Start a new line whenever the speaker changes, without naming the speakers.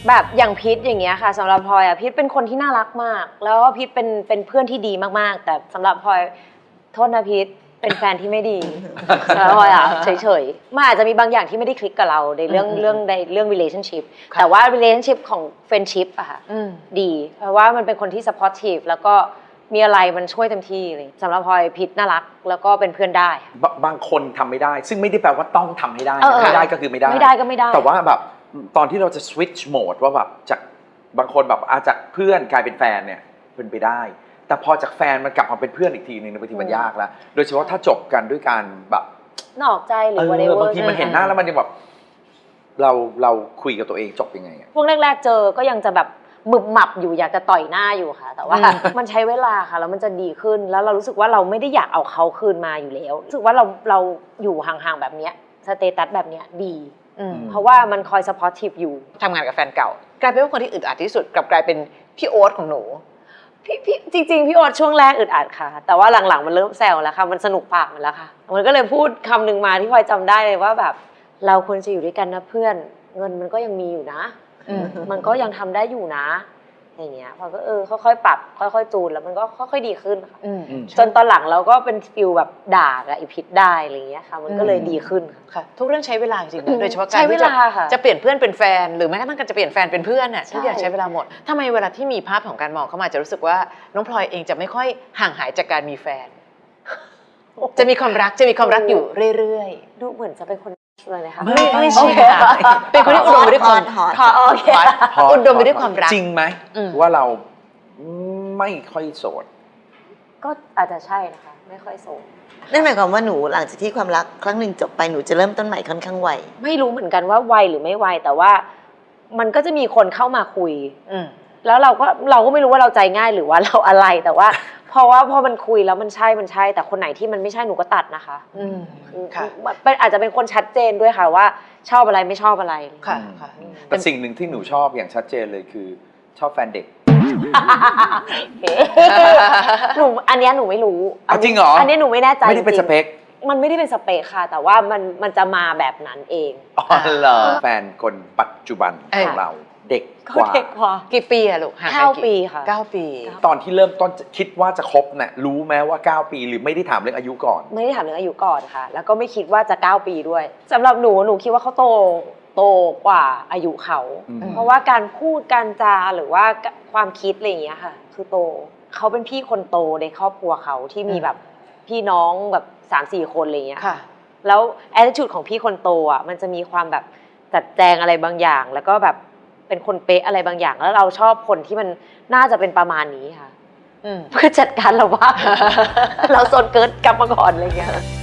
แบบอย่างพีทอย่างเงี้ยค่ะสำหรับพลอยอ่ะพีทเป็นคนที่น่ารักมากแล้วก็พีทเป็นเพื่อนที่ดีมากๆแต่สำหรับพลอยโทษนะพีทเป็นแฟนที่ไม่ดีสำหรับพลอยอ่ะเฉยๆมันอาจจะมีบางอย่างที่ไม่ได้คลิกกับเราในเรื่อง relationship แต่ว่า relationship ของ friendship อะค่ะดีเพราะว่ามันเป็นคนที่ supportive แล้วก็มีอะไรมันช่วยเต็มที่เลยสำหรับพลอยพีทน่ารักแล้วก็เป็นเพื่อนได้
บางคนทำไม่ได้ซึ่งไม่ได้แปลว่าต้องทำให้ได้ไม่ได้ก็คือไม่ได้
ไม่ได้ก็ไม่ได้
แต่ว่าแบบตอนที่เราจะ switch mode ว่าแบบจากบางคนแบบจากเพื่อนกลายเป็นแฟนเนี่ยเป็นไปได้แต่พอจากแฟนมันกลับมาเป็นเพื่อนอีกทีนึงบางทีมันยากแล้วโดยเฉพาะถ้าจบกันด้วยการแบบ
นอกใจหรือ whatever
บางทีมันเห็นหน้าแล้วมันยังแบบเราคุยกับตัวเองจบยังไง
พวกแรกๆเจอก็ยังจะแบบหมึบหมับอยู่อยากจะต่อยหน้าอยู่ค่ะแต่ว่ามันใช้เวลาค่ะแล้วมันจะดีขึ้นแล้วเรารู้สึกว่าเราไม่ได้อยากเอาเขาคืนมาอยู่แล้วรู้สึกว่าเราอยู่ห่างๆแบบเนี้ยสเตตัสแบบเนี้ยดีเพราะว่ามันคอยซัพพอร์ตทีฟอยู่
ทำงานกับแฟนเก่ากลายเป็นว่าคนที่อึดอัดที่สุดกลับกลายเป็นพี่โอ๊ตของหนู
พี่จริงๆพี่โอ๊ตช่วงแรกอึดอัดค่ะแต่ว่าหลังๆมันเริ่มแซวแล้วค่ะมันสนุกปากมันแล้วค่ะมันก็เลยพูดคำหนึ่งมาที่พลอยจำได้เลยว่าแบบเราควรจะอยู่ด้วยกันนะเพื่อนเงินมันก็ยังมีอยู่นะมันก็ยังทำได้อยู่นะอย่างเงี้ยพอก็ค่อยๆปรับค่อยๆจูนแล้วมันก็ค่อยๆดีขึ้นค่ะจนตอนหลังเราก็เป็นฟิลแบบด่ากับอีพิษได้อะไรเงี้ยค่ะมันก็เลยดีขึ้น
ค่ะทุกเรื่องใช้เวลาจริงๆโดยเฉพาะการที่จะเปลี่ยนเพื่อนเป็นแฟนหรือแม้กระทั่งการจะเปลี่ยนแฟนเป็นเพื่อนน่ะทุกอย่างใช้เวลาหมดทำไมเวลาที่มีภาพของการมองเข้ามาจะรู้สึกว่าน้องพลอยเองจะไม่ค่อยห่างหายจากการมีแฟนจะมีความรักอยู่เรื่อย
ๆดูเหมือนจะเป็นคนเลยนะคะ
ไม่ใช่ค่ะเป็นคนที่อุดมไปด้วยความอุดมไปด้วยความรัก
จริงไหมว่าเราไม่ค่อยโสด
ก็อาจจะใช่นะคะไม่ค่อยโสด
นั่นหมายความว่าหนูหลังจากที่ความรักครั้งหนึ่งจบไปหนูจะเริ่มต้นใหม่ค่อนข้างไว
ไม่รู้เหมือนกันว่าไวหรือไม่ไวแต่ว่ามันก็จะมีคนเข้ามาคุยแล้วเราก็ไม่รู้ว่าเราใจง่ายหรือว่าเราอะไรแต่ว่าเพราะว่าพอมันคุยแล้วมันใช่แต่คนไหนที่มันไม่ใช่หนูก็ตัดนะคะอาจจะเป็นคนชัดเจนด้วยค่ะว่าชอบอะไรไม่ชอบอะไร
ค่ะ
แต่สิ่งหนึ่งที่หนูชอบอย่างชัดเจนเลยคือชอบแฟนเด็ก
หนูอันนี้หนูไม่รู้
จริงเหรอ
อันนี้หนูไม่แน่ใจ
ไม่ได้เป็นสเปค
มันไม่ได้เป็นสเปคค่ะแต่ว่ามันจะมาแบบนั้นเอง
อ๋อเหรอแฟนคนปัจจุบันของเราเด็กกว่า
กี่ปีอะลูก
9 ปีค่ะ
9 ปี
ตอนที่เริ่มต้นคิดว่าจะคบเนี่ยรู้ไหมว่า9 ปีหรือไม่ได้ถามเรื่องอายุก่อน
ไม่ได้ถามเรื่องอายุก่อนค่ะแล้วก็ไม่คิดว่าจะ9 ปีด้วยสำหรับหนูคิดว่าเขาโตกว่าอายุเขาเพราะว่าการพูดการจาหรือว่าความคิดอะไรอย่างเงี้ยค่ะคือโตเขาเป็นพี่คนโตในครอบครัวเขาที่มีแบบพี่น้องแบบ 3-4 คนอะไรอย่างเงี้ยแล้ว attitude ของพี่คนโตอ่ะมันจะมีความแบบจัดแจงอะไรบางอย่างแล้วก็แบบเป็นคนเป๊ะอะไรบางอย่างแล้วเราชอบคนที่มันน่าจะเป็นประมาณนี้ค่ะเพื่อจัดการเราว่าเราโซนเกิร์ตกลับมาก่อนอะไรอย่างเงี้ย